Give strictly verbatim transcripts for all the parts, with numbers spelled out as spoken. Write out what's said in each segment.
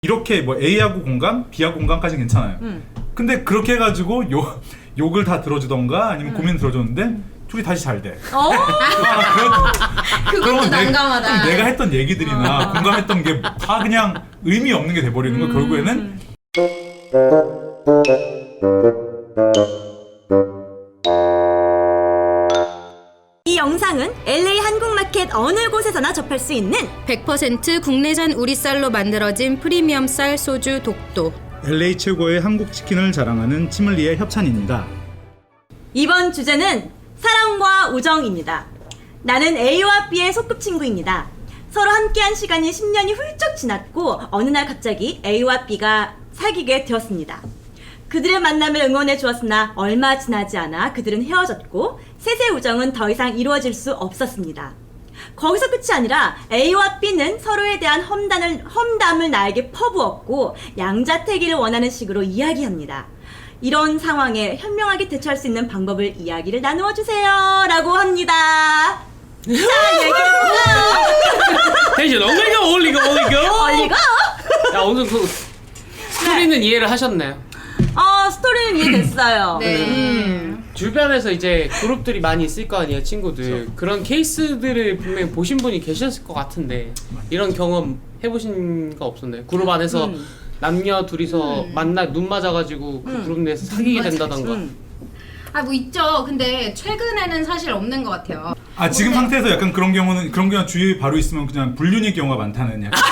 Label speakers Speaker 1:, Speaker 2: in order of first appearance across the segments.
Speaker 1: 이렇게 뭐 A하고 공감, B하고 공감까지는 괜찮아요.
Speaker 2: 음.
Speaker 1: 근데 그렇게 해가지고 욕, 욕을 다 들어주던가 아니면
Speaker 2: 음.
Speaker 1: 고민 들어줬는데 음. 둘이 다시 잘 돼.
Speaker 2: 어?
Speaker 1: 아,
Speaker 3: 그것도 난감하다.
Speaker 1: 내가 했던 얘기들이나
Speaker 2: 어.
Speaker 1: 공감했던 게 다 그냥 의미 없는 게 돼버리는 거.
Speaker 2: 음.
Speaker 1: 결국에는
Speaker 2: 이 영상은 엘에이 한국마켓 어느 곳에서나 접할 수 있는
Speaker 3: 백 퍼센트 국내산 우리쌀로 만들어진 프리미엄 쌀 소주 독도.
Speaker 1: 엘에이 최고의 한국 치킨을 자랑하는 치물리의 협찬입니다.
Speaker 2: 이번 주제는 사랑과 우정입니다. 나는 A와 B의 소꿉친구입니다. 서로 함께한 시간이 십 년이 훌쩍 지났고 어느 날 갑자기 A와 B가 사귀게 되었습니다. 그들의 만남을 응원해 주었으나 얼마 지나지 않아 그들은 헤어졌고 셋의 우정은 더 이상 이루어질 수 없었습니다. 거기서 끝이 아니라 A와 B는 서로에 대한 험담을, 험담을 나에게 퍼부었고 양자택일을 원하는 식으로 이야기합니다. 이런 상황에 현명하게 대처할 수 있는 방법을 이야기를 나누어 주세요 라고 합니다. 자, 얘기해볼까요?
Speaker 4: 텐션 올리고 올리고 올리고
Speaker 2: 얼리고
Speaker 4: 야 오늘 그 스토리는 이해를 하셨나요?
Speaker 2: 어, 스토리는 이해됐어요.
Speaker 3: 네.
Speaker 2: 음.
Speaker 4: 주변에서 이제 그룹들이 많이 있을 거 아니에요, 친구들. 그런 케이스들을 분명히 보신 분이 계셨을 것 같은데 이런 경험 해보신 거 없었나요? 그룹 안에서
Speaker 2: 음.
Speaker 4: 남녀 둘이서
Speaker 3: 음.
Speaker 4: 만나 눈 맞아가지고 그
Speaker 2: 음.
Speaker 4: 그룹 내에서 사귀게 된다던가.
Speaker 2: 음.
Speaker 3: 아 뭐 있죠. 근데 최근에는 사실 없는 것 같아요.
Speaker 1: 아 지금
Speaker 3: 근데-
Speaker 1: 상태에서 약간 그런 경우는 그런 경우 주위에 바로 있으면 그냥 불륜의 경우가 많다는 약간.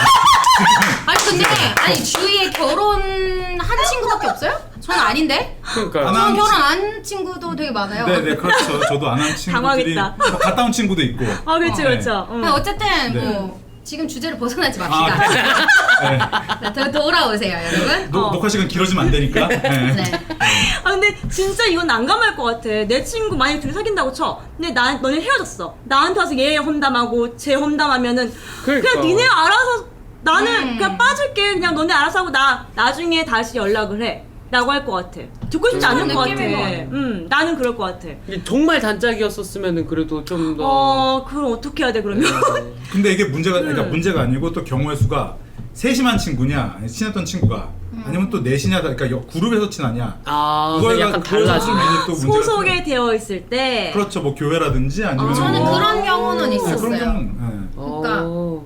Speaker 3: 아니 근데 아니 주위에 결혼한 친구밖에 없어요? 저는 아닌데.
Speaker 4: 그러니까
Speaker 1: 안
Speaker 3: 저는
Speaker 1: 한
Speaker 3: 결혼 안 친구도 되게 많아요.
Speaker 1: 네네 그렇죠. 저도 안 한 친구들이
Speaker 2: 당황했다.
Speaker 1: 뭐 갔다 온 친구도 있고.
Speaker 2: 아, 그렇죠,
Speaker 1: 네.
Speaker 2: 그렇죠. 음.
Speaker 3: 근데 어쨌든
Speaker 1: 네.
Speaker 3: 뭐 지금 주제를 벗어나지
Speaker 1: 아,
Speaker 3: 맙시다.
Speaker 1: 네.
Speaker 3: 네, 더 돌아오세요, 여러분.
Speaker 1: 노,
Speaker 2: 어.
Speaker 1: 녹화 시간 길어지면 안 되니까. 네.
Speaker 3: 네.
Speaker 2: 아 근데 진짜 이건 난감할 것 같아. 내 친구 만약에 둘이 사귄다고 쳐. 근데 나 너네 헤어졌어. 나한테 와서 얘 험담하고 쟤 험담하면은
Speaker 4: 그러니까.
Speaker 2: 그냥 니네 알아서 나는
Speaker 3: 음.
Speaker 2: 그냥 빠질게. 그냥 너네 알아서 하고 나 나중에 다시 연락을 해. 라고 할 것 같아. 듣고 싶지 않을
Speaker 3: 그런
Speaker 2: 것 같아.
Speaker 3: 느낌인 것 같아.
Speaker 2: 음, 나는 그럴 것 같아.
Speaker 4: 이게 정말 단짝이었었으면은 그래도 좀 더.
Speaker 2: 어, 그럼 어떻게 해야 돼 그러면?
Speaker 4: 네.
Speaker 1: 근데 이게 문제가 그러니까
Speaker 2: 음.
Speaker 1: 문제가 아니고 또 경우의 수가 세심한 친구냐, 아니, 친했던 친구가 아니면 또 넷이냐, 그러니까 여- 그룹에서 친하냐.
Speaker 4: 아,
Speaker 1: 그거에
Speaker 4: 약간
Speaker 1: 그거에
Speaker 4: 달라지.
Speaker 1: 따라서 이제 또 문제가
Speaker 2: 소속에
Speaker 1: 생겨요.
Speaker 2: 되어 있을 때.
Speaker 1: 그렇죠, 뭐 교회라든지 아니면
Speaker 2: 어,
Speaker 3: 저는
Speaker 1: 뭐,
Speaker 3: 그런 경우는
Speaker 1: 네,
Speaker 3: 있었어요.
Speaker 1: 그런 경우, 네.
Speaker 3: 그러니까
Speaker 4: 어.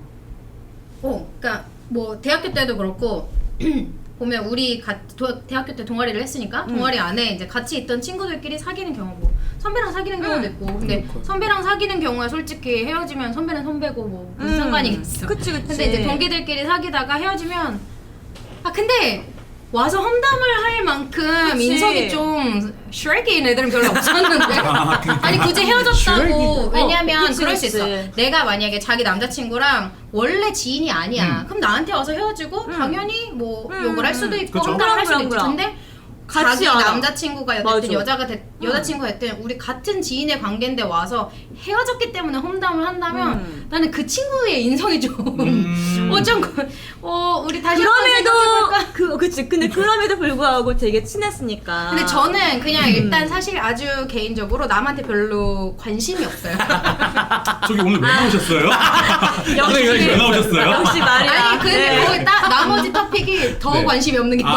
Speaker 3: 어, 그러니까 뭐 대학교 때도 그렇고 보면 우리 가, 도, 대학교 때 동아리를 했으니까
Speaker 2: 음.
Speaker 3: 동아리 안에 이제 같이 있던 친구들끼리 사귀는 경우 뭐 선배랑 사귀는 경우도
Speaker 2: 음.
Speaker 3: 있고 근데
Speaker 4: 그러니까요.
Speaker 3: 선배랑 사귀는 경우에 솔직히 헤어지면 선배는 선배고 뭐 무슨
Speaker 2: 음.
Speaker 3: 상관이겠어.
Speaker 2: 그치, 그치.
Speaker 3: 근데 이제 동기들끼리 사귀다가 헤어지면 아 근데 와서 험담을 할 만큼
Speaker 2: 그치.
Speaker 3: 인성이 좀 슈렉인 애들은 별로 없었는데
Speaker 1: 아, 그러니까.
Speaker 3: 아니 굳이 헤어졌다고
Speaker 4: 슈렉이-
Speaker 3: 왜냐면
Speaker 2: 어, 그치,
Speaker 3: 그럴 수
Speaker 2: 그치.
Speaker 3: 있어. 내가 만약에 자기 남자친구랑 원래 지인이 아니야.
Speaker 1: 음.
Speaker 3: 그럼 나한테 와서 헤어지고
Speaker 2: 음.
Speaker 3: 당연히 뭐
Speaker 2: 음,
Speaker 3: 욕을 할
Speaker 2: 음.
Speaker 3: 수도 있고
Speaker 1: 그쵸.
Speaker 3: 험담을 할 수도
Speaker 2: 그럼,
Speaker 3: 있지.
Speaker 2: 그럼,
Speaker 3: 근데
Speaker 2: 같이
Speaker 3: 자기
Speaker 2: 알아.
Speaker 3: 남자친구가 됐든
Speaker 2: 맞아.
Speaker 3: 여자가 됐, 여자친구가 됐든 우리 같은 지인의 관계인데 와서 헤어졌기 때문에 험담을 한다면
Speaker 2: 음.
Speaker 3: 나는 그 친구의 인성이 좀
Speaker 1: 음.
Speaker 3: 어, 좀, 그- 어, 우리 다시 한번
Speaker 2: 그럼에도
Speaker 3: 생각해볼까?
Speaker 2: 그 그치. 근데 그럼에도 불구하고 되게 친했으니까.
Speaker 3: 근데 저는 그냥
Speaker 2: 음.
Speaker 3: 일단 사실 아주 개인적으로 남한테 별로 관심이 없어요.
Speaker 1: 저기 오늘 왜 나오셨어요?
Speaker 2: 역시
Speaker 1: 왜 나오셨어요?
Speaker 2: 역시 말이야.
Speaker 3: 아니 근데
Speaker 2: 네.
Speaker 3: 거기 딱 나머지 토픽이 더
Speaker 1: 네.
Speaker 3: 관심이 없는 게
Speaker 1: 아.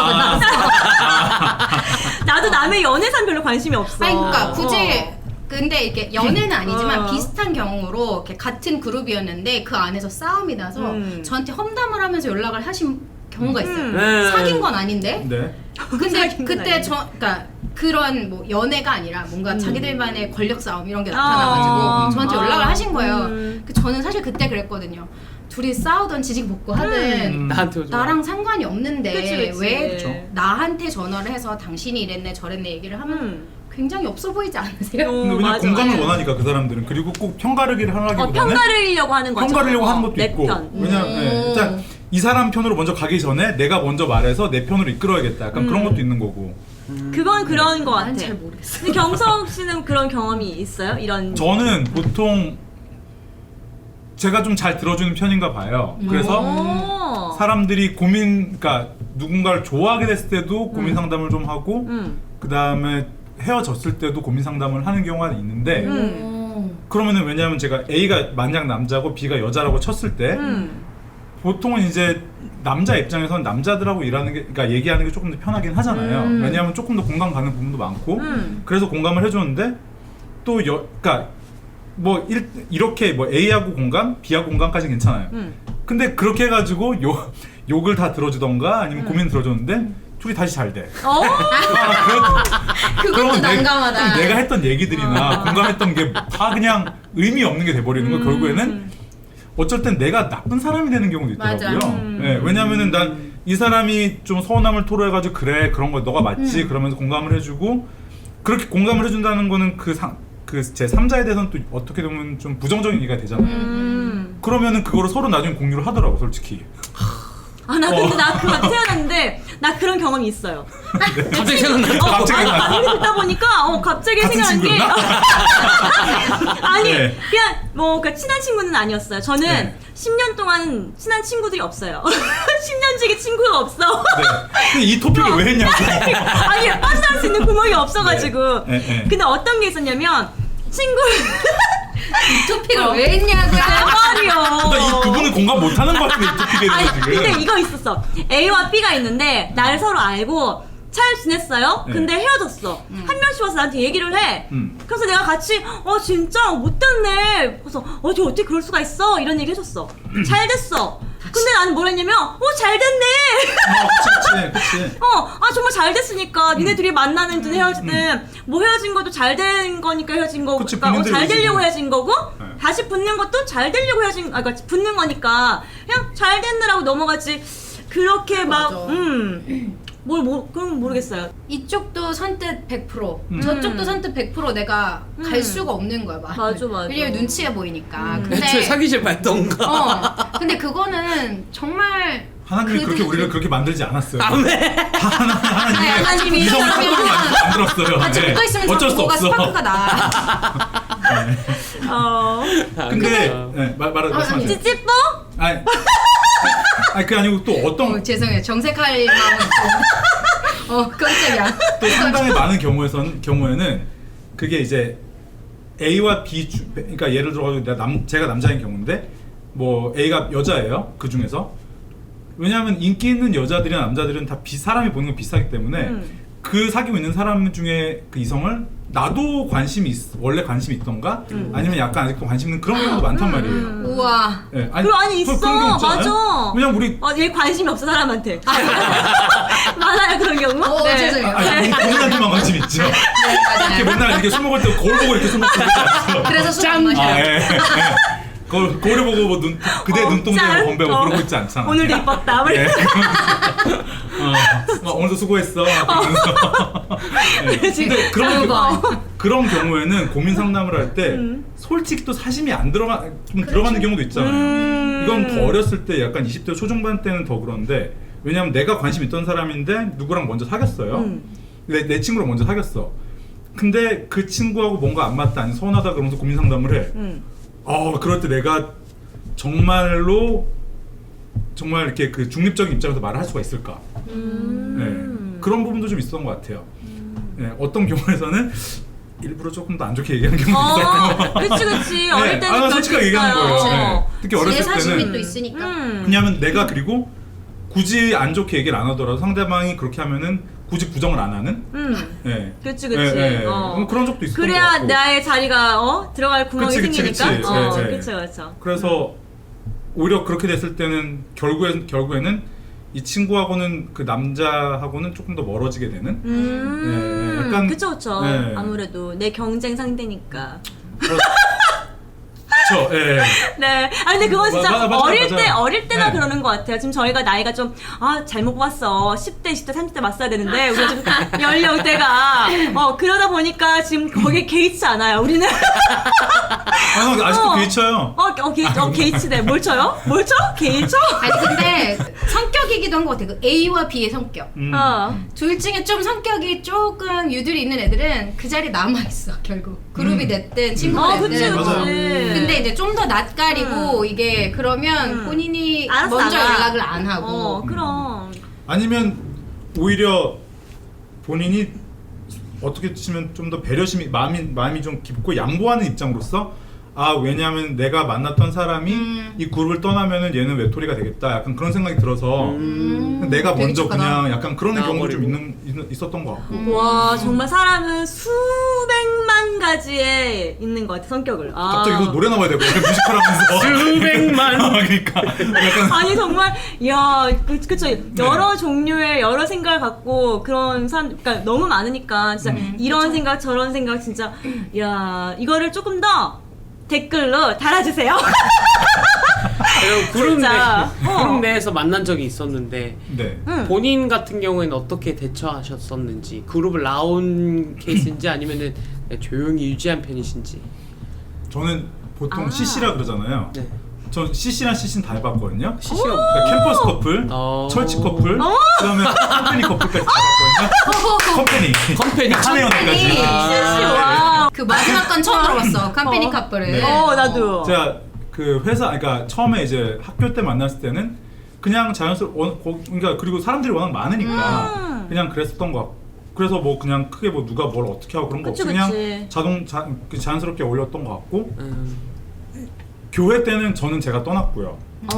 Speaker 3: 많았어.
Speaker 2: 나도 남의 연애산 별로 관심이 없어.
Speaker 3: 아니 그러니까 굳이
Speaker 2: 어.
Speaker 3: 근데 이렇게 연애는 아니지만
Speaker 2: 어.
Speaker 3: 비슷한 경우로 이렇게 같은 그룹이었는데 그 안에서 싸움이 나서
Speaker 2: 음.
Speaker 3: 저한테 험담을 하면서 연락을 하신 경우가 있어요.
Speaker 2: 음.
Speaker 4: 네.
Speaker 3: 사귄 건 아닌데.
Speaker 1: 네.
Speaker 3: 근데
Speaker 2: 사귄 건
Speaker 3: 그때
Speaker 2: 아닌데.
Speaker 3: 저 그러니까 그런 뭐 연애가 아니라 뭔가
Speaker 2: 음.
Speaker 3: 자기들만의 권력 싸움 이런 게
Speaker 2: 아.
Speaker 3: 나타나가지고 저한테
Speaker 2: 아.
Speaker 3: 연락을 하신 거예요.
Speaker 2: 음.
Speaker 3: 그 저는 사실 그때 그랬거든요. 둘이 싸우던 지지고 볶고 하든
Speaker 1: 음.
Speaker 4: 나한테 오지 마.
Speaker 3: 나랑 상관이 없는데
Speaker 2: 그치, 그치.
Speaker 3: 왜
Speaker 2: 그쵸.
Speaker 3: 나한테 전화를 해서 당신이 이랬네 저랬네 얘기를 하면
Speaker 2: 음.
Speaker 3: 굉장히 없어 보이지 않으세요?
Speaker 2: 어,
Speaker 1: 근데 왜냐면
Speaker 2: 맞아,
Speaker 1: 공감을
Speaker 2: 맞아.
Speaker 1: 원하니까 그 사람들은. 그리고 꼭 평가르기를
Speaker 2: 어,
Speaker 1: 하기보다는
Speaker 2: 평가르려고 하는 거죠.
Speaker 1: 평가르려고
Speaker 2: 어,
Speaker 1: 하는 것도
Speaker 2: 내
Speaker 1: 있고.
Speaker 2: 편.
Speaker 1: 왜냐면
Speaker 3: 음.
Speaker 1: 네. 일단 이 사람 편으로 먼저 가기 전에 내가 먼저 말해서 내 편으로 이끌어야겠다. 약간 그런
Speaker 2: 음.
Speaker 1: 것도 있는 거고.
Speaker 2: 그건 그런 거 같아.
Speaker 3: 난 잘 모르겠어.
Speaker 2: 근데 경석 씨는 그런 경험이 있어요? 이런.
Speaker 1: 저는 보통 제가 좀 잘 들어주는 편인가 봐요. 그래서
Speaker 2: 오.
Speaker 1: 사람들이 고민, 그러니까 누군가를 좋아하게 됐을 때도 고민 상담을 좀 하고,
Speaker 2: 음.
Speaker 1: 그 다음에 헤어졌을 때도 고민 상담을 하는 경우가 있는데,
Speaker 2: 음.
Speaker 1: 그러면은 왜냐하면 제가 A가 만약 남자고 B가 여자라고 쳤을 때,
Speaker 2: 음.
Speaker 1: 보통은 이제 남자 입장에서는 남자들하고 일하는 게, 그러니까 얘기하는 게 조금 더 편하긴 하잖아요.
Speaker 2: 음.
Speaker 1: 왜냐하면 조금 더 공감 가는 부분도 많고,
Speaker 2: 음.
Speaker 1: 그래서 공감을 해주는데 또 여, 그러니까 뭐 일, 이렇게 뭐 A하고 공감, B하고 공감까지 괜찮아요.
Speaker 2: 음.
Speaker 1: 근데 그렇게 해가지고 욕 욕을 다 들어주던가 아니면
Speaker 2: 음.
Speaker 1: 고민 들어줬는데 둘이 다시 잘 돼.
Speaker 2: 어?
Speaker 1: 아, 그런-
Speaker 3: 그것도
Speaker 1: 그러면 내-
Speaker 3: 난감하다.
Speaker 1: 그럼 내가 했던 얘기들이나
Speaker 3: 어.
Speaker 1: 공감했던 게 다 그냥 의미 없는 게 돼버리는 거.
Speaker 2: 음.
Speaker 1: 결국에는 어쩔 땐 내가 나쁜 사람이 되는 경우도 있더라고요.
Speaker 3: 맞아.
Speaker 2: 음.
Speaker 1: 네, 왜냐면은 난 이 사람이 좀 서운함을 토로해가지고 그래 그런 거 너가 맞지
Speaker 3: 음.
Speaker 1: 그러면서 공감을 해주고 그렇게 공감을 해준다는 거는 그 상 그 제 삼자에 대해서는 또 어떻게 보면 좀 부정적인 얘기가 되잖아요.
Speaker 2: 음.
Speaker 1: 그러면은 그거를 서로 나중에 공유를 하더라고 솔직히.
Speaker 2: 아, 나 근데
Speaker 1: 어.
Speaker 2: 나 그거 태어났는데 나 그런 경험이 있어요.
Speaker 4: 갑자기 생각나.
Speaker 2: 어,
Speaker 1: 갑자기
Speaker 2: 아니,
Speaker 1: 생각나.
Speaker 2: 아무리 듣다 보니까 어 갑자기
Speaker 1: 같은
Speaker 2: 생각난 게
Speaker 1: 친구였나?
Speaker 2: 아니
Speaker 1: 네.
Speaker 2: 그냥 뭐 그러니까 친한 친구는 아니었어요. 저는
Speaker 1: 네.
Speaker 2: 십 년 동안 친한 친구들이 없어요. 십 년지기 친구가 없어.
Speaker 1: 네. 근데 이 토픽을 왜 했냐고.
Speaker 2: 아니 빠져나올 수 있는 구멍이 없어가지고.
Speaker 1: 네, 네, 네.
Speaker 2: 근데 어떤 게 있었냐면 친구
Speaker 3: 이 토픽을
Speaker 2: 어.
Speaker 3: 왜 했냐고요.
Speaker 2: 대박이요.
Speaker 1: 그러니까 이 그분은 공감 못하는 것 같은데 이 토픽에
Speaker 2: 아니
Speaker 1: 대해서 지금.
Speaker 2: 근데 이거 있었어. A와 B가 있는데 나를 서로 알고 잘 지냈어요.
Speaker 1: 네.
Speaker 2: 근데 헤어졌어. 한 명씩 와서 나한테 얘기를 해.
Speaker 1: 음.
Speaker 2: 그래서 내가 같이 어 진짜 못됐네. 그래서 어떻게 어떻게 그럴 수가 있어 이런 얘기 해줬어. 잘 됐어. 근데 나는 뭘 했냐면 어 잘 됐네.
Speaker 1: 어, 그치, 그치.
Speaker 2: 어, 아 정말 잘 됐으니까
Speaker 1: 음.
Speaker 2: 니네 둘이 만나든 헤어지든 뭐 헤어진 것도 잘 된 거니까 헤어진 거고,
Speaker 1: 그치,
Speaker 2: 그러니까 어,
Speaker 1: 본인들이
Speaker 2: 잘 되려고
Speaker 1: 의지고.
Speaker 2: 헤어진 거고,
Speaker 1: 네.
Speaker 2: 다시 붙는 것도 잘 되려고 헤어진, 아 그러니까 붙는 거니까 그냥 잘 됐느라고 넘어가지. 그렇게 막,
Speaker 3: 맞아.
Speaker 2: 음, 뭘, 뭐, 그건 모르겠어요.
Speaker 3: 이쪽도 선뜻 백 퍼센트
Speaker 1: 음.
Speaker 3: 저쪽도 선뜻 백 퍼센트 내가 갈
Speaker 2: 음.
Speaker 3: 수가 없는 거야. 막.
Speaker 2: 맞아, 맞아.
Speaker 3: 왜냐면 눈치가 보이니까.
Speaker 2: 음.
Speaker 3: 근데
Speaker 4: 애초에 사귀지 말던가.
Speaker 3: 어 근데 그거는 정말
Speaker 1: 하나님이 그렇게
Speaker 3: 그들-
Speaker 1: 우리를 그렇게 만들지 않았어요.
Speaker 4: 아멘.
Speaker 1: 하나, 하나님이
Speaker 3: 네, 하나님이
Speaker 1: 이성을
Speaker 3: 사람이면
Speaker 1: 상관이 만들었어요.
Speaker 3: 같이
Speaker 1: 네.
Speaker 3: 붙어 있으면
Speaker 1: 어쩔
Speaker 3: 자꾸
Speaker 1: 수
Speaker 3: 뭐가
Speaker 1: 없어.
Speaker 3: 스파크가 나.
Speaker 1: 네.
Speaker 2: 어,
Speaker 1: 근데
Speaker 4: 아,
Speaker 1: 네, 말 말하
Speaker 3: 아니,
Speaker 1: 말씀하세요.
Speaker 2: 찌찌뽀?
Speaker 1: 아니, 아니 그 아니고 또 어떤
Speaker 3: 어, 죄송해요. 정색할 마음은 좀. 어 깜짝이야.
Speaker 1: 또 상당히 많은 경우에선 경우에는 그게 이제 A와 B 주, 그러니까 예를 들어가지고 내가 남 제가 남자인 경우인데 뭐 A가 여자예요. 그 중에서 왜냐하면 인기 있는 여자들이나 남자들은 다 비, 사람이 보는 건 비슷하기 때문에
Speaker 2: 음.
Speaker 1: 그 사귀고 있는 사람 중에 그 이성을 나도 관심이 있, 원래 관심이 있던가
Speaker 2: 음.
Speaker 1: 아니면 약간 아직도 관심 있는 그런 경우도 많단 말이에요.
Speaker 2: 음.
Speaker 3: 우와.
Speaker 1: 네,
Speaker 2: 그럼 아니
Speaker 1: 그-
Speaker 2: 있어.
Speaker 1: 그런 경우 있잖아요.
Speaker 2: 맞아.
Speaker 1: 왜냐면 우리
Speaker 2: 어, 얘 관심이 없어 사람한테. 많아요 그런 경우.
Speaker 3: 어, 죄송해요.
Speaker 1: 아니 본인한테만 관심 있죠.
Speaker 3: 네,
Speaker 1: 이렇게
Speaker 3: 맞아요.
Speaker 1: 맨날 이렇게 술 먹을 때 거울 보고 이렇게 술 먹고 그러지 않죠.
Speaker 3: 그래서 술
Speaker 4: 짠!
Speaker 3: 안 마셔요.
Speaker 1: 아, 예. 예. 거울, 거울을 보고 뭐 눈, 그대
Speaker 2: 어,
Speaker 1: 눈동자에
Speaker 2: 짠.
Speaker 1: 건배고
Speaker 2: 어.
Speaker 1: 그러고 있지 않잖아.
Speaker 2: 오늘도 이뻤다. 뭐
Speaker 1: 예.
Speaker 2: 이렇게.
Speaker 1: 어, 어, 오늘도 수고했어. 그러면서. 예.
Speaker 2: 지금
Speaker 1: 근데 그런,
Speaker 3: 아이고.
Speaker 1: 겨- 그런 경우에는 고민 상담을 할 때
Speaker 2: 음.
Speaker 1: 솔직히 또 사심이 안 들어가, 좀 들어가는 경우도 있잖아요.
Speaker 2: 음.
Speaker 1: 이건 더 어렸을 때 약간 이십 대 초중반 때는 더 그런데 왜냐면 내가 관심 있던 사람인데 누구랑 먼저 사귀었어요.
Speaker 2: 음.
Speaker 1: 내, 내 친구랑 먼저 사귀었어. 근데 그 친구하고 뭔가 안 맞다, 아니 서운하다 그러면서 고민 상담을 해.
Speaker 2: 음.
Speaker 1: 어, 그럴 때 내가 정말로 정말 이렇게 그 중립적인 입장에서 말을 할 수가 있을까?
Speaker 2: 음.
Speaker 1: 네. 그런 부분도 좀 있었던 것 같아요. 네, 어떤 경우에서는 일부러 조금 더 안 좋게 얘기하는 경우도
Speaker 2: 어,
Speaker 1: 있었고.
Speaker 2: 그치 그치.
Speaker 1: 네,
Speaker 2: 어릴 때는
Speaker 1: 아,
Speaker 2: 그럴
Speaker 1: 솔직하게
Speaker 2: 수
Speaker 1: 얘기하는
Speaker 2: 있어요.
Speaker 1: 거예요. 네. 특히
Speaker 3: 제
Speaker 1: 어렸을
Speaker 3: 사심이
Speaker 1: 때는
Speaker 3: 또 있으니까.
Speaker 2: 음.
Speaker 1: 왜냐하면 내가 그리고 굳이 안 좋게 얘기를 안 하더라도 상대방이 그렇게 하면은 굳이 부정을 안 하는.
Speaker 2: 음.
Speaker 1: 네.
Speaker 2: 그치 그치.
Speaker 1: 네, 네.
Speaker 2: 어.
Speaker 1: 뭐 그런 적도 있었던 것
Speaker 2: 그래야
Speaker 1: 같고.
Speaker 2: 나의 자리가 어 들어갈 구멍이
Speaker 1: 그치, 그치,
Speaker 2: 생기니까.
Speaker 1: 그치.
Speaker 2: 어,
Speaker 1: 네, 네.
Speaker 2: 그쵸 그쵸.
Speaker 1: 그래서 오히려 그렇게 됐을 때는 결국엔 결국에는 이 친구하고는 그 남자하고는 조금 더 멀어지게 되는.
Speaker 2: 음.
Speaker 1: 네, 약간-
Speaker 2: 그쵸 그쵸.
Speaker 1: 네.
Speaker 2: 아무래도 내 경쟁 상대니까.
Speaker 1: 그렇죠. 예.
Speaker 2: 네. 아 근데 그건 진짜
Speaker 1: 맞아, 맞아,
Speaker 2: 어릴
Speaker 1: 맞아.
Speaker 2: 때 어릴 때나
Speaker 1: 네.
Speaker 2: 그러는 것 같아요. 지금 저희가 나이가 좀 아 잘못 봤어. 십 대, 이십 대, 삼십 대 맞서야 되는데 우리가 지금 연령대가 어 그러다 보니까 지금 거기에 개의치 않아요. 우리는
Speaker 1: 아, 나 아직도
Speaker 2: 어.
Speaker 1: 개의쳐요.
Speaker 2: 어, 어, 개, 어 개의치네. 뭘 쳐요? 뭘 쳐? 개의 쳐?
Speaker 3: 아니 근데 성격이기도 한 것 같아. 그 A와 B의 성격.
Speaker 1: 음.
Speaker 2: 어.
Speaker 3: 둘 중에 좀 성격이 조금 유들이 있는 애들은 그 자리에 남아 있어 결국. 그룹이
Speaker 1: 음.
Speaker 3: 됐든 친구가
Speaker 2: 어,
Speaker 3: 됐든.
Speaker 2: 그치, 그치.
Speaker 1: 맞아요.
Speaker 3: 근데 이제 좀 더 낯가리고 이게 그러면
Speaker 2: 음.
Speaker 3: 본인이
Speaker 2: 알았어,
Speaker 3: 먼저
Speaker 2: 알아.
Speaker 3: 연락을 안 하고.
Speaker 2: 어, 그럼.
Speaker 1: 아니면 오히려 본인이 어떻게 치면 좀 더 배려심이 마음이 마음이 좀 깊고 양보하는 입장으로서 아 왜냐하면 내가 만났던 사람이
Speaker 3: 음.
Speaker 1: 이 그룹을 떠나면은 얘는 외톨이가 되겠다. 약간 그런 생각이 들어서
Speaker 4: 음.
Speaker 1: 내가
Speaker 3: 되게
Speaker 1: 먼저
Speaker 3: 착하다.
Speaker 1: 그냥 약간 그런 경우도 좀
Speaker 4: 나와버리고.
Speaker 1: 있는 있, 있었던 것 같고.
Speaker 3: 음.
Speaker 2: 와 정말 사람은 수백만 가지에 있는 것 같아 성격을. 아.
Speaker 1: 갑자기 이거 노래 나와야 되고 약간 뮤지컬하면서
Speaker 4: 수백만.
Speaker 1: 그러니까 약간
Speaker 2: 아니 정말 야 그, 그쵸 여러 종류의 여러 생각을 갖고 그런 사람 그러니까 너무 많으니까 진짜
Speaker 1: 음.
Speaker 2: 이런 생각 저런 생각 진짜 야 이거를 조금 더 댓글로 달아주세요.
Speaker 4: 그리고 그룹, 내,
Speaker 2: 진짜. 어.
Speaker 4: 그룹 내에서 만난 적이 있었는데
Speaker 1: 네.
Speaker 2: 응.
Speaker 4: 본인 같은 경우에는 어떻게 대처하셨었는지, 그룹을 나온 케이스인지 아니면은 그냥 조용히 유지한 편이신지.
Speaker 1: 저는 보통
Speaker 2: 아.
Speaker 1: 씨씨라 그러잖아요.
Speaker 4: 네.
Speaker 1: 전 씨씨랑 씨씨는 다 해봤거든요.
Speaker 4: 씨씨가
Speaker 1: 그러니까 캠퍼스 커플,
Speaker 4: 어.
Speaker 1: 철치 커플,
Speaker 2: 어.
Speaker 1: 그다음에 컴퍼니 커플까지 다 봤거든요. 컴퍼니,
Speaker 4: 컴퍼니.
Speaker 1: 한혜연까지.
Speaker 3: 컴퍼니.
Speaker 2: 와.
Speaker 3: 그 마지막 건 처음 들어봤어. 컴퍼니
Speaker 2: 어.
Speaker 3: 커플을.
Speaker 1: 네.
Speaker 2: 어 나도.
Speaker 1: 제가 그 회사, 그러니까 처음에 이제 학교 때 만났을 때는 그냥 자연스럽, 원, 거- 그러니까 그리고 사람들이 워낙 많으니까
Speaker 2: 음.
Speaker 1: 그냥 그랬었던 것 같고. 그래서 뭐 그냥 크게 뭐 누가 뭘 어떻게 하고 그런 거
Speaker 2: 그치,
Speaker 1: 없이 그냥
Speaker 2: 그치.
Speaker 1: 자동 자, 그 자연스럽게 어울렸던 것 같고
Speaker 4: 음.
Speaker 1: 교회 때는 저는 제가 떠났고요.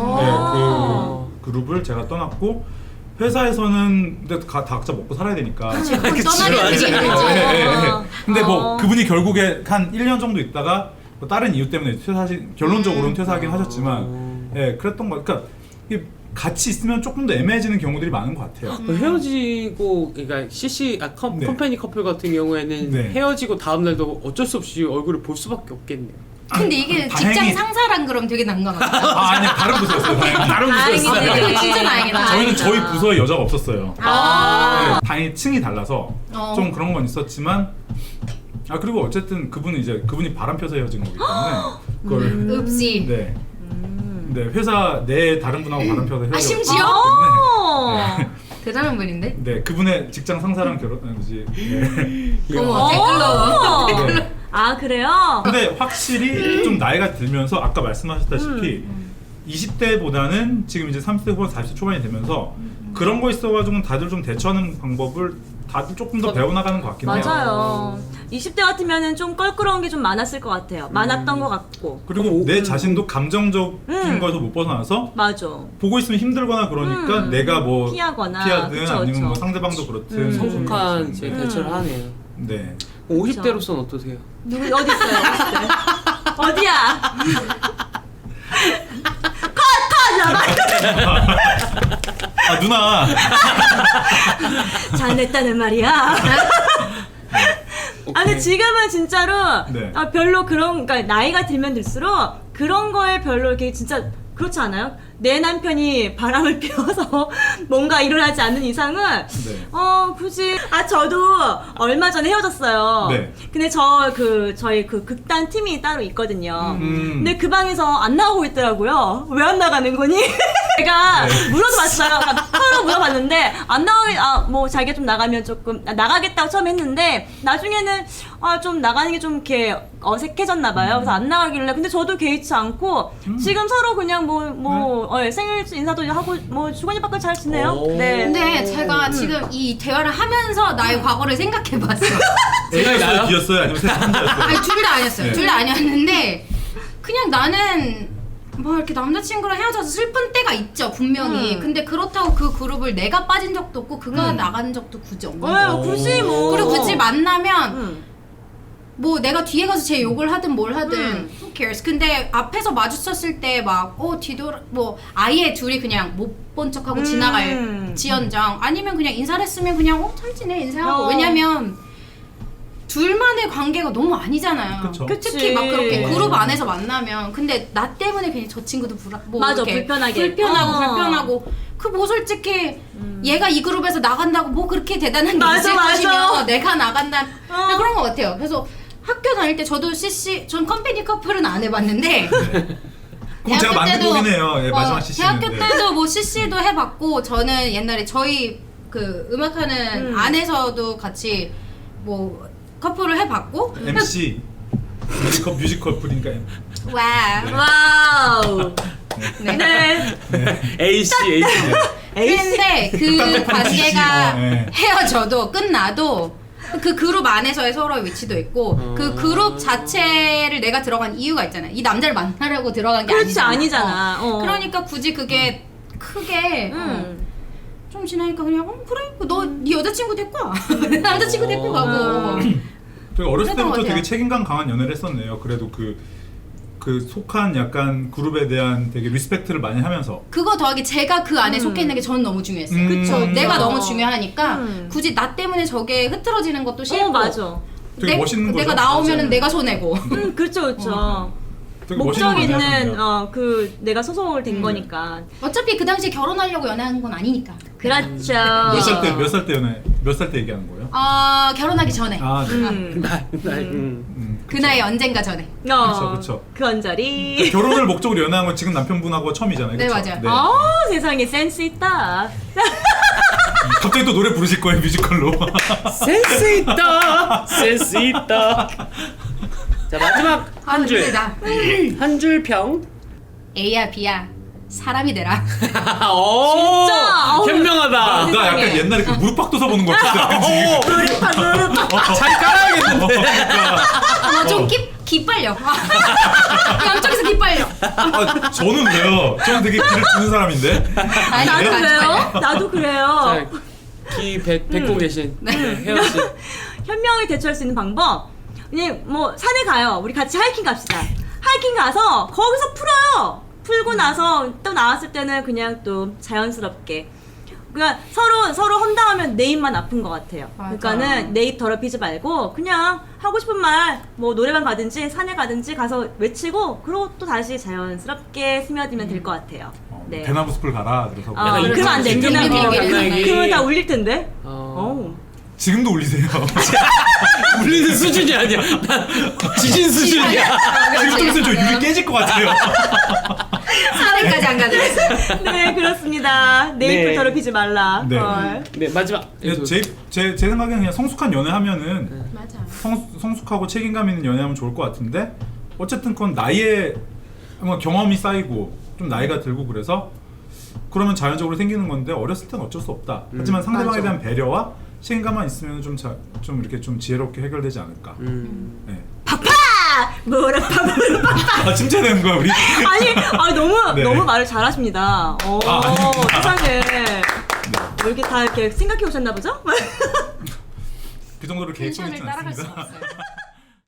Speaker 2: 어.
Speaker 1: 네, 그 그룹을 제가 떠났고 회사에서는 근데 가, 다 각자 먹고 살아야 되니까.
Speaker 3: 그치, 그건 떠나면 되게
Speaker 1: 네,
Speaker 3: 힘들지.
Speaker 1: 네, 네, 네.
Speaker 2: 어.
Speaker 1: 근데 뭐
Speaker 2: 어.
Speaker 1: 그분이 결국에 한 일 년 정도 있다가 뭐 다른 이유 때문에 퇴사하신 결론적으로는 퇴사하긴 하셨지만
Speaker 4: 어.
Speaker 1: 예 그랬던 거 그러니까 이게 같이 있으면 조금 더 애매해지는 경우들이 많은 것 같아요.
Speaker 4: 그 헤어지고 그러니까 씨씨 아 컴,
Speaker 1: 네.
Speaker 4: 컴퍼니 커플 같은 경우에는
Speaker 1: 네.
Speaker 4: 헤어지고 다음 날도 어쩔 수 없이 얼굴을 볼 수밖에 없겠네요.
Speaker 3: 근데 이게
Speaker 1: 다행히-
Speaker 3: 직장 상사랑 그럼 되게 난감하다.
Speaker 1: 아 아니 다른 부서였어요. 다행히.
Speaker 4: 다른
Speaker 2: 다행이네.
Speaker 4: 부서였어요.
Speaker 3: 그게 진짜 다행이다.
Speaker 1: 저희는 저희 부서에 여자가 없었어요.
Speaker 3: 아.
Speaker 1: 네, 다행히 층이 달라서
Speaker 3: 어.
Speaker 1: 좀 그런 건 있었지만 아 그리고 어쨌든 그분은 이제 그분이 바람 펴서 헤어진 거기 때문에 그걸
Speaker 2: 음.
Speaker 3: 읍지.
Speaker 1: 네. 네 회사 내 다른 분하고 바람 펴서 헤어졌기
Speaker 3: 아, 심지어?
Speaker 2: 어.
Speaker 1: 때문에
Speaker 3: 대단한 분인데?
Speaker 1: 네 그분의 직장 상사랑 결혼하지. 네.
Speaker 3: 어머 댓글로.
Speaker 1: 네.
Speaker 2: 아 그래요?
Speaker 1: 근데 확실히 좀 나이가 들면서 아까 말씀하셨다시피 이십 대보다는 지금 이제 삼십 대 후반 사십 대 초반이 되면서 그런 거 있어가지고 다들 좀 대처하는 방법을 다들 조금 더 배워나가는 것 같긴 해요.
Speaker 2: 맞아요. 이십 대 같으면은 좀 껄끄러운 게 좀 많았을 것 같아요. 많았던 것 같고.
Speaker 1: 그리고 내 자신도 감정적인
Speaker 2: 음.
Speaker 1: 거에서 못 벗어나서
Speaker 2: 맞아.
Speaker 1: 보고 있으면 힘들거나 그러니까
Speaker 2: 음.
Speaker 1: 내가 뭐
Speaker 2: 피하거나.
Speaker 1: 피하든
Speaker 2: 그쵸,
Speaker 1: 아니면 뭐
Speaker 2: 그쵸.
Speaker 1: 상대방도 그렇든
Speaker 2: 음.
Speaker 4: 성숙한 제
Speaker 2: 음.
Speaker 4: 대처를 하네요.
Speaker 1: 네.
Speaker 4: 오십 대로서는 어떠세요?
Speaker 2: 누구 어디 있어요? 오십 대? 어디야? 컷컷 나봐.
Speaker 1: 아 누나
Speaker 2: 잘냈다는 말이야. 아 근데 지금은 진짜로
Speaker 1: 네.
Speaker 2: 아, 별로 그런 그러니까 나이가 들면 들수록 그런 거에 별로 이렇게 진짜 그렇지 않아요? 내 남편이 바람을 피워서 뭔가 일어나지 않는 이상은
Speaker 1: 네.
Speaker 2: 어 굳이 아 저도 얼마 전에 헤어졌어요.
Speaker 1: 네.
Speaker 2: 근데 저 그 저희 그 극단 팀이 따로 있거든요.
Speaker 1: 음.
Speaker 2: 근데 그 방에서 안 나오고 있더라고요. 왜 안 나가는 거니? 제가
Speaker 1: 네.
Speaker 2: 물어봤어요. 그러니까 서로 물어봤는데 안 나가게 아뭐 자기가 좀 나가면 조금 아, 나가겠다고 처음 했는데 나중에는 아 좀 나가는 게 좀 이렇게 어색해졌나 봐요. 그래서 안 나가길래 근데 저도 개의치 않고
Speaker 1: 음.
Speaker 2: 지금 서로 그냥 뭐
Speaker 1: 네.
Speaker 2: 뭐 어, 생일 인사도 하고 뭐 주거니 밖을 잘 지내요.
Speaker 4: 오.
Speaker 2: 네.
Speaker 3: 근데 제가 지금 이 대화를 하면서 나의 과거를 생각해봤어.
Speaker 1: A였어요,
Speaker 4: 나요?
Speaker 1: B였어요, 아니면 셋 혼자였어요?
Speaker 3: 아니 둘 다 아니었어요.
Speaker 1: 네.
Speaker 3: 둘 다 아니었는데 그냥 나는 뭐 이렇게 남자친구랑 헤어져서 슬픈 때가 있죠 분명히.
Speaker 2: 음.
Speaker 3: 근데 그렇다고 그 그룹을 내가 빠진 적도 없고 그가 나간 적도 굳이 없는 거예요.
Speaker 2: 어, 굳이 뭐
Speaker 3: 그리고 굳이 만나면
Speaker 2: 음.
Speaker 3: 뭐 내가 뒤에 가서 제 욕을 하든 뭘 하든
Speaker 2: 음.
Speaker 3: who cares. 근데 앞에서 마주쳤을 때 막 어 뒤돌아 뭐 아예 둘이 그냥 못 본 척하고
Speaker 2: 음.
Speaker 3: 지나갈 지연정 아니면 그냥 인사를 했으면 그냥 어 잘 지내 인사하고.
Speaker 2: 어.
Speaker 3: 왜냐면 둘만의 관계가 너무 아니잖아요.
Speaker 1: 그쵸.
Speaker 2: 그치.
Speaker 3: 특히 막 그렇게
Speaker 1: 어.
Speaker 3: 그룹 안에서 만나면 근데 나 때문에 괜히 저 친구도 불안 뭐
Speaker 2: 맞아,
Speaker 3: 이렇게
Speaker 2: 불편하게.
Speaker 3: 불편하고
Speaker 2: 어.
Speaker 3: 불편하고 그 뭐 솔직히 얘가 이 그룹에서 나간다고 뭐 그렇게 대단한 게
Speaker 2: 맞아,
Speaker 3: 있을
Speaker 2: 맞아.
Speaker 3: 것이며 내가 나간다
Speaker 2: 어.
Speaker 3: 그런 것 같아요. 그래서 학교 다닐 때 저도 씨씨 전 컴퍼니 커플은 안 해봤는데
Speaker 1: 그럼 제가 만든 거긴 해요. 예, 마지막
Speaker 3: 어,
Speaker 1: 씨씨는.
Speaker 3: 대학교 때도 뭐 씨씨도 해봤고 저는 옛날에 저희 그 음악하는
Speaker 2: 음.
Speaker 3: 안에서도 같이 뭐 커플을 해봤고
Speaker 1: 엠씨 뮤지컬 뮤지컬 풀인가
Speaker 3: 와
Speaker 2: 와우.
Speaker 3: 네.
Speaker 2: 네.
Speaker 4: A씨, A씨.
Speaker 3: 근데 그
Speaker 1: 극단 커플은
Speaker 3: 관계가
Speaker 1: 씨씨, 어, 예.
Speaker 3: 헤어져도 끝나도 그 그룹 안에서의 서로의 위치도 있고
Speaker 4: 어.
Speaker 3: 그 그룹 자체를 내가 들어간 이유가 있잖아요. 이 남자를 만나려고 들어간 게
Speaker 2: 그렇지,
Speaker 3: 아니잖아.
Speaker 2: 아니잖아.
Speaker 3: 어.
Speaker 2: 어.
Speaker 3: 그러니까 굳이 그게 크게 어,
Speaker 2: 음.
Speaker 3: 좀 지나니까 그냥 어, 그래 너 네 여자친구 데리고 와. 남자친구 데리고 가고
Speaker 2: 음.
Speaker 1: 되게 어렸을
Speaker 3: 그랬던
Speaker 1: 때부터
Speaker 3: 것 같아요.
Speaker 1: 되게 책임감 강한 연애를 했었네요. 그래도 그, 그 속한 약간 그룹에 대한 되게 리스펙트를 많이 하면서.
Speaker 3: 그거 더하기 제가 그 안에
Speaker 2: 음.
Speaker 3: 속해 있는 게 저는 너무 중요했어요.
Speaker 1: 음.
Speaker 2: 그쵸.
Speaker 3: 내가
Speaker 2: 그쵸.
Speaker 3: 너무 중요하니까
Speaker 2: 음.
Speaker 3: 굳이 나 때문에 저게 흐트러지는 것도 싫고
Speaker 2: 어, 맞아.
Speaker 1: 되게 멋있는
Speaker 3: 내가
Speaker 1: 거죠.
Speaker 3: 나오면은
Speaker 1: 맞아요.
Speaker 3: 내가 손해고
Speaker 2: 음, 그렇죠, 그렇죠.
Speaker 1: 되게
Speaker 2: 목적
Speaker 1: 멋있는 거
Speaker 2: 있는
Speaker 1: 하셨네요.
Speaker 2: 어 그 내가 소송을 된
Speaker 3: 음.
Speaker 2: 거니까.
Speaker 3: 어차피 그 당시에 결혼하려고 연애한 건 아니니까.
Speaker 2: 그렇죠.
Speaker 1: 몇 살 때 몇 살 때 연애 몇 살 때 얘기하는 거예요?
Speaker 3: 어 결혼하기 전에
Speaker 1: 아, 네.
Speaker 2: 음.
Speaker 4: 나, 나, 음.
Speaker 1: 음,
Speaker 3: 그 나이 언젠가 전에.
Speaker 2: 어,
Speaker 1: 그쵸, 그쵸.
Speaker 2: 그 언저리.
Speaker 1: 결혼을 목적으로 연애한 건 지금 남편분하고 처음이잖아요.
Speaker 3: 네,
Speaker 1: 그쵸?
Speaker 3: 맞아요.
Speaker 2: 아 세상에 센스 있다.
Speaker 1: 갑자기 또 노래 부르실 거예요 뮤지컬로.
Speaker 4: 센스 있다. 센스 있다. 자 마지막 한 줄.
Speaker 3: 힘들다.
Speaker 4: 한 줄 평.
Speaker 3: A야 B야 사람이 되라.
Speaker 4: 오,
Speaker 2: 진짜? 어우.
Speaker 4: 현명하다.
Speaker 1: 나 약간
Speaker 3: 세상에.
Speaker 1: 옛날에 그 무릎팍 도서 보는 거 같았어요. 지금.
Speaker 4: 잘 깔아야겠는데.
Speaker 3: 어, 좀 기, 기빨려. 양쪽에서 기빨려.
Speaker 1: 아, 저는 왜요? 저는 되게 길을 주는 사람인데.
Speaker 3: 아니,
Speaker 2: 나도
Speaker 3: 안
Speaker 2: 그래요.
Speaker 3: 기빨려.
Speaker 2: 나도 그래요.
Speaker 4: 자, 기 뱉, 뱉고 계신 네, 혜연 씨.
Speaker 2: 현명하게 대처할 수 있는 방법. 그냥 뭐 산에 가요. 우리 같이 하이킹 갑시다. 하이킹 가서 거기서 풀어요. 풀고 나서 또 나왔을 때는 그냥 또 자연스럽게. 그러니까 서로 서로 험담하면 내 입만 아픈 것 같아요.
Speaker 3: 맞아.
Speaker 2: 그러니까는 내 입 더럽히지 말고 그냥 하고 싶은 말 뭐 노래방 가든지 산에 가든지 가서 외치고 그러고 또 다시 자연스럽게 스며들면 될 것 같아요.
Speaker 1: 어,
Speaker 2: 네.
Speaker 1: 대나무 숲을 가라. 그래서
Speaker 2: 아,
Speaker 4: 약간
Speaker 2: 그러면 안 돼.
Speaker 4: 진정
Speaker 2: 그러면
Speaker 4: 비밀
Speaker 3: 비밀
Speaker 4: 장난기.
Speaker 2: 그러면 다 울릴 텐데.
Speaker 4: 어,
Speaker 2: 어우.
Speaker 1: 지금도 울리세요.
Speaker 4: 울리는 수준이 아니야. 난 지진 수준이야.
Speaker 1: 지금 좀 있으면 저 유리 깨질 것 같아요.
Speaker 3: 사례까지 안 가져갔어요.
Speaker 2: 네 그렇습니다. 내 입을
Speaker 4: 네.
Speaker 2: 더럽히지 말라.
Speaker 1: 네.
Speaker 2: 헐.
Speaker 4: 네 마지막.
Speaker 1: 제, 제, 제 생각에는 그냥 성숙한 연애하면은
Speaker 3: 맞아.
Speaker 1: 성, 성숙하고 책임감 있는 연애하면 좋을 것 같은데 어쨌든 그건 나이에 뭔가 경험이 쌓이고 좀 나이가 들고 그래서 그러면 자연적으로 생기는 건데 어렸을 땐 어쩔 수 없다. 하지만 상대방에
Speaker 3: 맞아.
Speaker 1: 대한 배려와 책임감만 있으면 좀, 자, 좀 이렇게 좀 지혜롭게 해결되지 않을까.
Speaker 4: 음.
Speaker 1: 네.
Speaker 2: 파파! 무릎파 무릎파.
Speaker 1: 아 칭찬하는 거야 우리?
Speaker 2: 아니, 아니 너무
Speaker 1: 네.
Speaker 2: 너무 말을 잘하십니다. 오,
Speaker 1: 아, 아닙니다.
Speaker 2: 세상에.
Speaker 1: 네.
Speaker 2: 뭐 이렇게 다 이렇게 생각해 오셨나 보죠?
Speaker 1: 그 정도로 계획성
Speaker 3: 텐션을
Speaker 1: 있진
Speaker 3: 따라갈 수가
Speaker 1: 않습니다.
Speaker 3: 없어요.